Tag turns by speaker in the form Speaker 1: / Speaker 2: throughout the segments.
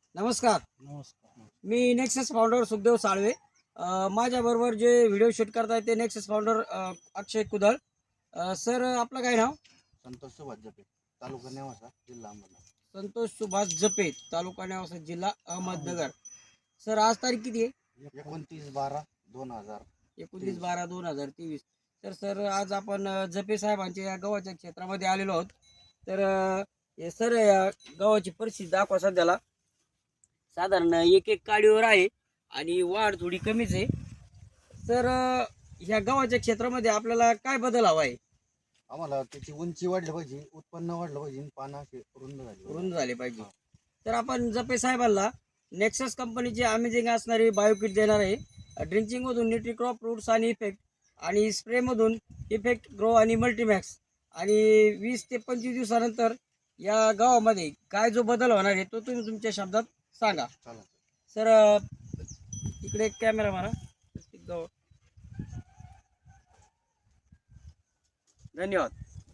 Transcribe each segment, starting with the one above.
Speaker 1: नमस्कार.
Speaker 2: नमस्कार.
Speaker 1: मी नेक्सस फाउंडर सुखदेव साळवे. माझ्याबरोबर जे व्हिडिओ शूट करतायत ते नेक्सस फाउंडर अक्षय कुदळ. सर आपलं काय नाव?
Speaker 2: संतोष सुभाष जपे, तालुका नेवासा, जिल्हा अहमदनगर.
Speaker 1: संतोष सुभाष जपे, तालुका नेवासा, जिल्हा अहमदनगर. सर आज तारीख किती आहे?
Speaker 2: 29/12/2000.
Speaker 1: 29/12/2023. तर सर आज आपण जपे साहेबांच्या या गव्हाच्या क्षेत्रामध्ये आलेलो आहोत. तर सर या गव्हाची परिस्थिती दाखवा सध्याला. साधारण एक एक काडीवर आहे आणि वाढ थोडी कमीच आहे. तर ह्या गव्हाच्या क्षेत्रामध्ये आपल्याला काय बदल हवा आहे?
Speaker 2: आम्हाला त्याची उंची वाढली पाहिजे, उत्पन्न वाढलं पाहिजे, पानं असे
Speaker 1: रुंद झाले पाहिजे. तर आपण जपे साहेबांना नेक्सस कंपनीची अमेझिंग असणारी बायोकिट देणार आहे. ड्रिंचिंगमधून न्यूट्रिक्रॉप रूट्स आणि इफेक्ट आणि स्प्रेमधून इफेक्ट ग्रो आणि मल्टीमॅक्स आणि 20 ते 25 दिवसानंतर या गव्हामध्ये काय जो बदल होणार आहे तो तुम्ही तुमच्या शब्दात सांगा. सर इकडे एक कॅमेरा मारा. धन्यवाद.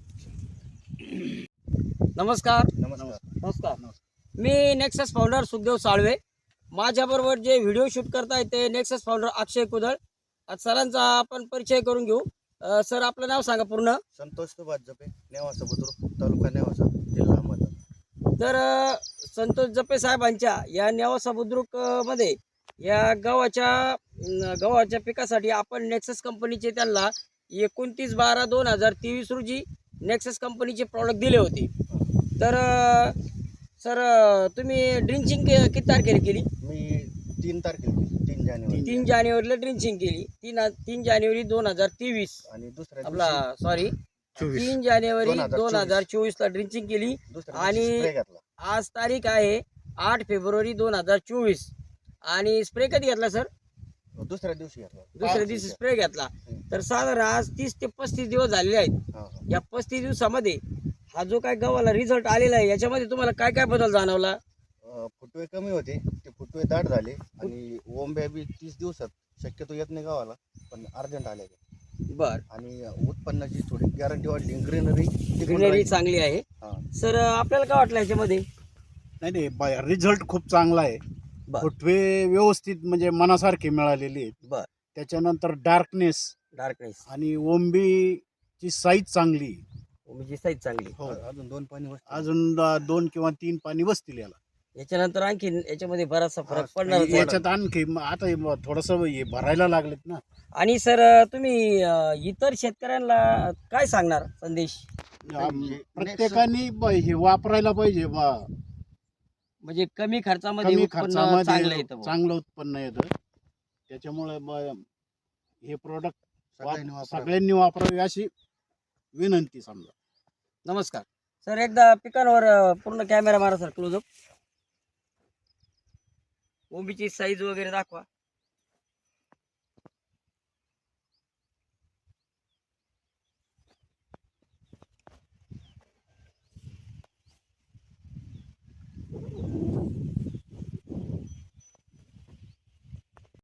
Speaker 1: नमस्कार.
Speaker 2: नमस्कार.
Speaker 1: मी नेक्सस फाउंडर सुखदेव साळवे. माझ्याबरोबर जे व्हिडिओ शूट करतायत ते नेक्सस फाउंडर अक्षय कुदळ. आज सरांचा आपण परिचय करून घेऊ. सर आपलं नाव सांगा पूर्ण.
Speaker 2: संतोष सुभाष जपे, नेवासा बुद्रुक, तालुका नेवासा, जिल्हा अहमदनगर.
Speaker 1: तर संतोष जपे साहेबांच्या या नेवासा बुद्रुक मध्ये या गव्हाच्या पिकासाठी आपण नेक्सस कंपनीचे त्यांना 29/12/2023 रोजी नेक्सस कंपनीचे प्रॉडक्ट दिले होते. तर सर तुम्ही ड्रिंचिंग किती तारखेला केली?
Speaker 2: मी 3 तारखेला 3 जानेवारी
Speaker 1: 3 जानेवारीला ड्रिंचिंग केली. 3 जानेवारी 2023
Speaker 2: आणि दुसऱ्या
Speaker 1: आपला सॉरी 3 जानेवारी 2024 ला ड्रिंचिंग केली आणि
Speaker 2: स्प्रे घेतला.
Speaker 1: आज तारीख आहे 8 फेब्रुवारी 2024 आणि स्प्रे कधी घेतला सर?
Speaker 2: दुसऱ्या दिवशी घेतला.
Speaker 1: दुसऱ्या दिवशी स्प्रे घेतला. तर साधारण आज 30 ते 35 दिवस झालेले आहेत. या 35 दिवसामध्ये हा जो काय गव्हाला रिझल्ट आलेला आहे याच्यामध्ये तुम्हाला काय काय बदल जाणवला?
Speaker 2: फुटवे कमी होते, ते फुटवे दाट झाले आणि ओंब्या बी 30 दिवसात शक्यतो येत नाही गावाला, पण अर्जंट आले.
Speaker 1: बर.
Speaker 2: आणि उत्पन्नाची थोडी गॅरंटी वाढली. ग्रीनरी
Speaker 1: चांगली आहे. सर आपल्याला काय वाटलं याच्यामध्ये?
Speaker 3: नाही, रिझल्ट खूप चांगला आहे. फुटवे व्यवस्थित म्हणजे मनासारखे मिळालेले आहेत.
Speaker 1: बर.
Speaker 3: त्याच्यानंतर डार्कनेस आणि ओंबीची साईज चांगली आहे.
Speaker 1: ओंबीची साईज चांगली.
Speaker 3: हो,
Speaker 2: अजून 2 पाणी
Speaker 3: अजून 2 किंवा 3 पाणी बसतील याला.
Speaker 1: याच्यानंतर आणखी याच्यामध्ये बराचसा फरक पडणार.
Speaker 3: याच्यात आणखी आता थोडस हे भरायला लागलेत ना.
Speaker 1: आणि सर तुम्ही इतर शेतकऱ्यांना काय सांगणार संदेश?
Speaker 3: प्रत्येकाने हे वापरायला पाहिजे.
Speaker 1: म्हणजे कमी खर्चामध्ये उत्पन्न चांगलं येतं.
Speaker 3: चांगलं उत्पन्न येतं. त्याच्यामुळे हे प्रोडक्ट सगळ्यांनी वापरावे अशी विनंती समजा.
Speaker 1: नमस्कार सर. एकदा पिकांवर पूर्ण कॅमेरा मारा सर, क्लोजअप. ओंबीची साईज वगैरे दाखवा.